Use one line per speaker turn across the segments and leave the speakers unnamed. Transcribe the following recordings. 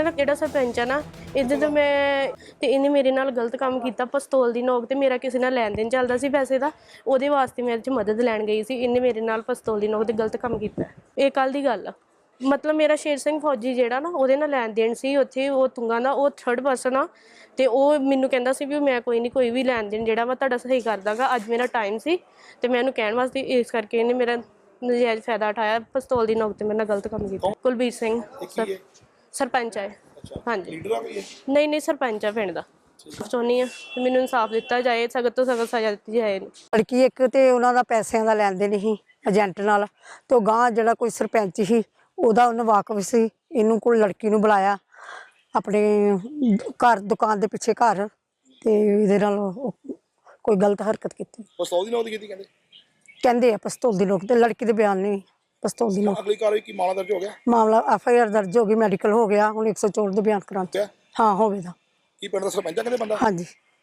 ਨਾ ਜਿਹੜਾ ਸਰਪੰਚ ਆ ਨਾ ਇਹਦੇ ਤੋਂ ਮੈਂ ਤੇ ਇਹਨੇ ਮੇਰੇ ਨਾਲ ਗਲਤ ਕੰਮ ਕੀਤਾ। ਪਿਸਤੌਲ ਦੀ ਨੋਕ ਤੇ ਮੇਰਾ ਕਿਸੇ ਨਾਲ ਲੈਣ ਦੇਣ ਚੱਲਦਾ ਸੀ ਪੈਸੇ ਦਾ, ਉਹਦੇ ਵਾਸਤੇ ਮੈਂ ਇਹਦੇ 'ਚ ਮਦਦ ਲੈਣ ਗਈ ਸੀ। ਇਹਨੇ ਮੇਰੇ ਨਾਲ ਪਿਸਤੌਲ ਦੀ ਨੋਕ ਤੇ ਗਲਤ ਕੰਮ ਕੀਤਾ। ਇਹ ਕੱਲ੍ਹ ਦੀ ਗੱਲ ਆ। ਮਤਲਬ ਮੇਰਾ ਸ਼ੇਰ ਸਿੰਘ ਫੌਜੀ ਜਿਹੜਾ ਨਾ ਉਹਦੇ ਨਾਲ ਲੈਣ ਦੇਣ ਸੀ ਉੱਥੇ, ਉਹ ਤੁੰਗਾ ਦਾ ਉਹ ਥਰਡ ਪਰਸਨ ਆ ਤੇ ਉਹ ਮੈਨੂੰ ਕਹਿੰਦਾ ਸੀ ਵੀ ਮੈਂ ਕੋਈ ਨਹੀਂ, ਕੋਈ ਵੀ ਲੈਣ ਦੇਣ ਜਿਹੜਾ ਵਾ ਤੁਹਾਡਾ ਸਹੀ ਕਰ ਦਾਂਗਾ। ਅੱਜ ਮੇਰਾ ਟਾਈਮ ਸੀ ਤੇ ਮੈਂ ਉਹਨੂੰ ਕਹਿਣ ਵਾਸਤੇ, ਇਸ ਕਰਕੇ ਇਹਨੇ ਮੇਰਾ ਨਜਾਇਜ਼ ਫਾਇਦਾ ਉਠਾਇਆ। ਪਿਸਤੌਲ ਦੀ ਨੋਕ ਤੇ ਮੇਰੇ ਨਾਲ ਗਲਤ ਕੰਮ ਕੀਤਾ। ਕੁਲਬੀਰ ਸਿੰਘ ਸਰਪੰਚ ਹੈ। ਹਾਂਜੀ ਨਹੀਂ ਸਰਪੰਚ ਆ ਪਿੰਡ ਦਾ। ਚਾਹੁੰਦੀ ਹਾਂ ਮੈਨੂੰ ਇਨਸਾਫ ਦਿੱਤਾ ਜਾਏ, ਸਖਤ ਤੋਂ ਸਖਤ ਸਜ਼ਾ ਦਿੱਤੀ ਜਾਏ।
ਲੜਕੀ ਇੱਕ ਤੇ ਉਹਨਾਂ ਦਾ ਪੈਸਿਆਂ ਦਾ ਲੈਣ ਦੇਣ ਸੀ ਏਜੰਟ ਨਾਲ, ਤੇ ਗਾਂ ਜਿਹੜਾ ਕੋਈ ਸਰਪੰਚ ਸੀ ਉਹਦਾ ਉਹਨੂੰ ਵਾਕਫ ਸੀ। ਇਹਨੂੰ ਕੋਈ ਲੜਕੀ ਨੂੰ ਬੁਲਾਇਆ ਆਪਣੇ ਘਰ, ਦੁਕਾਨ ਦੇ ਪਿੱਛੇ ਘਰ, ਤੇ ਇਹਦੇ ਨਾਲ ਕੋਈ ਗਲਤ ਹਰਕਤ ਕੀਤੀ।
ਪਿਸਤੌਲ ਦੀ ਨੋਕ ਕੀਤੀ
ਕਹਿੰਦੇ ਆ ਪਿਸਤੌਲ ਦੀ ਨੋਕ ਤੇ, ਲੜਕੀ ਦੇ ਬਿਆਨ ਨਹੀਂ ਪਿਸਤੌਲ ਦੀ ਨੋਕ।
ਅਗਲੀ ਕਾਰਵਾਈ ਕੀ ਮਾਮਲਾ ਦਰਜ ਹੋ ਗਿਆ?
ਮਾਮਲਾ FIR ਦਰਜ ਹੋ ਗਈ, ਮੈਡੀਕਲ ਹੋ ਗਿਆ, ਹੁਣ 104 ਦੇ ਬਿਆਨ ਕਰਾਉਣ। ਹਾਂ ਹੋਵੇਗਾ।
ਕੀ ਪਿੰਡ ਦਾ ਸਰਪੰਚ ਆ ਕਹਿੰਦੇ ਬੰਦਾ?
ਹਾਂਜੀ।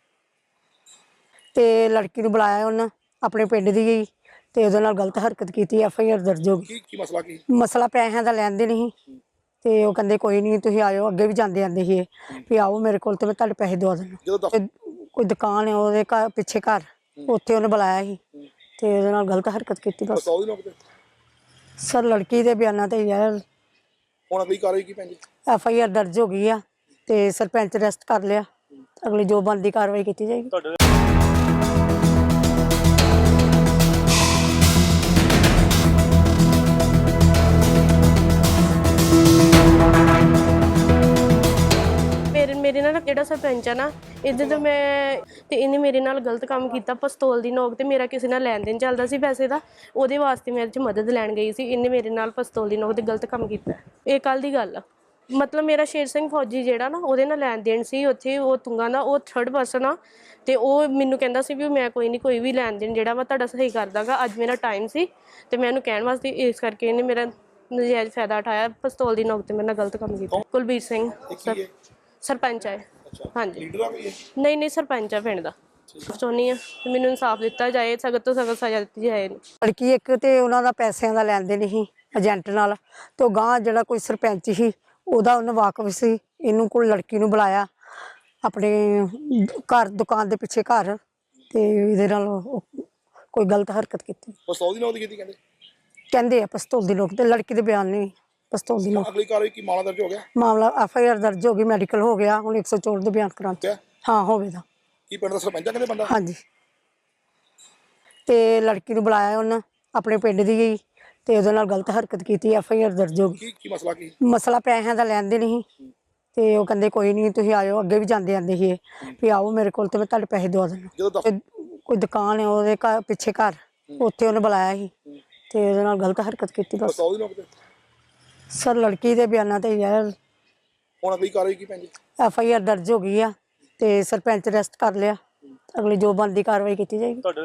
ਤੇ ਲੜਕੀ ਨੂੰ ਬੁਲਾਇਆ ਉਹਨਾਂ ਆਪਣੇ ਪਿੰਡ ਦੀ ਗਈ ਤੇ ਉਹਦੇ ਨਾਲ ਗਲਤ ਹਰਕਤ ਕੀਤੀ। FIR ਦਰਜ ਹੋ ਗਈ।
ਕੀ ਮਸਲਾ ਕੀ?
ਮਸਲਾ ਪੈਸਿਆਂ ਦਾ ਲੈਣ ਦੇਣ ਸੀ ਤੇ ਉਹ ਕਹਿੰਦੇ ਕੋਈ ਨਹੀਂ ਤੁਸੀਂ ਆਇਓ। ਅੱਗੇ ਵੀ ਜਾਂਦੇ ਆਂਦੇ ਸੀ ਵੀ ਆਓ ਮੇਰੇ ਕੋਲ ਤੇ ਮੈਂ ਤੁਹਾਡੇ ਪੈਸੇ ਦਵਾ ਦੇਣਾ। ਕੋਈ ਦੁਕਾਨ ਹੈ ਉਹਦੇ ਘਰ ਪਿੱਛੇ ਘਰ, ਉੱਥੇ ਉਹਨੇ ਬੁਲਾਇਆ ਸੀ ਤੇ ਉਹਦੇ ਨਾਲ ਗਲਤ ਹਰਕਤ ਕੀਤੀ। ਬਸ ਸਰ ਲੜਕੀ ਦੇ ਬਿਆਨਾਂ ਤੇ ਯਾਰ
ਹੁਣ ਅਗਲੀ ਕਾਰਵਾਈ ਕੀ ਪੈਂਦੀ?
FIR ਦਰਜ ਹੋ ਗਈ ਆ ਤੇ ਸਰਪੰਚ ਅਰੈਸਟ ਕਰ ਲਿਆ। ਅਗਲੀ ਜੋ ਬਣਦੀ ਕਾਰਵਾਈ ਕੀਤੀ ਜਾਏਗੀ।
ਮੇਰੇ ਨਾਲ ਜਿਹੜਾ ਸਰਪੰਚ ਆ ਨਾ ਇਹਦੇ ਤੋਂ ਮੈਂ ਤੇ ਇਹਨੇ ਮੇਰੇ ਨਾਲ ਗਲਤ ਕੰਮ ਕੀਤਾ। ਪਿਸਤੌਲ ਦੀ ਨੋਕ ਤੇ ਮੇਰਾ ਕਿਸੇ ਨਾਲ ਲੈਣ ਦੇਣ ਚੱਲਦਾ ਸੀ ਪੈਸੇ ਦਾ, ਉਹਦੇ ਵਾਸਤੇ ਮੈਂ ਇਹਦੇ 'ਚ ਮਦਦ ਲੈਣ ਗਈ ਸੀ। ਇਹਨੇ ਮੇਰੇ ਨਾਲ ਪਿਸਤੌਲ ਦੀ ਨੋਕ ਤੇ ਗਲਤ ਕੰਮ ਕੀਤਾ। ਇਹ ਕੱਲ੍ਹ ਦੀ ਗੱਲ ਆ। ਮਤਲਬ ਮੇਰਾ ਸ਼ੇਰ ਸਿੰਘ ਫੌਜੀ ਜਿਹੜਾ ਨਾ ਉਹਦੇ ਨਾਲ ਲੈਣ ਦੇਣ ਸੀ ਉੱਥੇ, ਉਹ ਤੁੰਗਾ ਦਾ ਉਹ ਥਰਡ ਪਰਸਨ ਆ ਤੇ ਉਹ ਮੈਨੂੰ ਕਹਿੰਦਾ ਸੀ ਵੀ ਮੈਂ ਕੋਈ ਨਹੀਂ, ਕੋਈ ਵੀ ਲੈਣ ਦੇਣ ਜਿਹੜਾ ਵਾ ਤੁਹਾਡਾ ਸਹੀ ਕਰ ਦਾਂਗਾ। ਅੱਜ ਮੇਰਾ ਟਾਈਮ ਸੀ ਤੇ ਮੈਂ ਉਹਨੂੰ ਕਹਿਣ ਵਾਸਤੇ, ਇਸ ਕਰਕੇ ਇਹਨੇ ਮੇਰਾ ਨਜਾਇਜ਼ ਫਾਇਦਾ ਉਠਾਇਆ। ਪਿਸਤੌਲ ਦੀ ਨੋਕ ਤੇ ਮੇਰੇ ਨਾਲ ਗਲਤ ਕੰਮ ਕੀਤਾ। ਕੁਲਬੀਰ ਸਿੰਘ ਸਰਪੰਚ ਹੈ। ਹਾਂਜੀ ਨਹੀਂ ਸਰਪੰਚ ਆ ਪਿੰਡ ਦਾ। ਚਾਹੁੰਦੀ ਹਾਂ ਮੈਨੂੰ ਇਨਸਾਫ ਦਿੱਤਾ ਜਾਏ, ਸਖਤ ਤੋਂ ਸਖਤ ਸਜ਼ਾ ਦਿੱਤੀ ਜਾਏ।
ਲੜਕੀ ਇੱਕ ਤੇ ਉਹਨਾਂ ਦਾ ਪੈਸਿਆਂ ਦਾ ਲੈਣ ਦੇਣ ਸੀ ਏਜੰਟ ਨਾਲ, ਤੇ ਗਾਂ ਜਿਹੜਾ ਕੋਈ ਸਰਪੰਚ ਸੀ ਉਹਦਾ ਉਹਨੂੰ ਵਾਕਫ ਸੀ। ਇਹਨੂੰ ਕੋਈ ਲੜਕੀ ਨੂੰ ਬੁਲਾਇਆ ਆਪਣੇ ਘਰ, ਦੁਕਾਨ ਦੇ ਪਿੱਛੇ ਘਰ, ਤੇ ਇਹਦੇ ਨਾਲ ਕੋਈ ਗਲਤ ਹਰਕਤ ਕੀਤੀ।
ਪਿਸਤੌਲ ਦੀ ਨੋਕ ਕੀਤੀ
ਕਹਿੰਦੇ ਆ ਪਿਸਤੌਲ ਦੀ ਨੋਕ ਤੇ, ਲੜਕੀ ਦੇ ਬਿਆਨ ਨਹੀਂ ਪਿਸਤੌਲ ਦੀ ਨੋਕ।
ਅਗਲੀ ਕਾਰਵਾਈ ਕੀ ਮਾਮਲਾ ਦਰਜ ਹੋ ਗਿਆ?
ਮਾਮਲਾ FIR ਦਰਜ ਹੋ ਗਈ, ਮੈਡੀਕਲ ਹੋ ਗਿਆ, ਹੁਣ 104 ਦੇ ਬਿਆਨ ਕਰਾਉਣ। ਹਾਂ ਹੋਵੇਗਾ।
ਕੀ ਪਿੰਡ ਦਾ ਸਰਪੰਚ ਆ ਕਹਿੰਦੇ ਬੰਦਾ?
ਹਾਂਜੀ। ਤੇ ਲੜਕੀ ਨੂੰ ਬੁਲਾਇਆ ਉਹਨਾਂ ਆਪਣੇ ਪਿੰਡ ਦੀ ਗਈ ਤੇ ਉਹਦੇ ਨਾਲ ਗਲਤ ਹਰਕਤ ਕੀਤੀ। FIR ਦਰਜ ਹੋ ਗਈ।
ਕੀ ਮਸਲਾ ਕੀ?
ਮਸਲਾ ਪੈਸਿਆਂ ਦਾ ਲੈਣ ਦੇਣ ਸੀ ਤੇ ਉਹ ਕਹਿੰਦੇ ਕੋਈ ਨਹੀਂ ਤੁਸੀਂ ਆਇਓ। ਅੱਗੇ ਵੀ ਜਾਂਦੇ ਆਂਦੇ ਸੀ ਵੀ ਆਓ ਮੇਰੇ ਕੋਲ ਤੇ ਮੈਂ ਤੁਹਾਡੇ ਪੈਸੇ ਦਵਾ ਦੇਣਾ। ਕੋਈ ਦੁਕਾਨ ਹੈ ਉਹਦੇ ਘਰ ਪਿੱਛੇ ਘਰ, ਉੱਥੇ ਉਹਨੇ ਬੁਲਾਇਆ ਸੀ ਤੇ ਉਹਦੇ ਨਾਲ ਗਲਤ ਹਰਕਤ ਕੀਤੀ। ਬਸ ਸਰ ਲੜਕੀ ਦੇ ਬਿਆਨਾਂ ਤੇ ਯਾਰ
ਹੁਣ ਅਗਲੀ ਕਾਰਵਾਈ ਕੀ ਪੈਂਦੀ?
FIR ਦਰਜ ਹੋ ਗਈ ਆ ਤੇ ਸਰਪੰਚ ਅਰੈਸਟ ਕਰ ਲਿਆ। ਅਗਲੀ ਜੋ ਬਣਦੀ ਕਾਰਵਾਈ ਕੀਤੀ ਜਾਏਗੀ।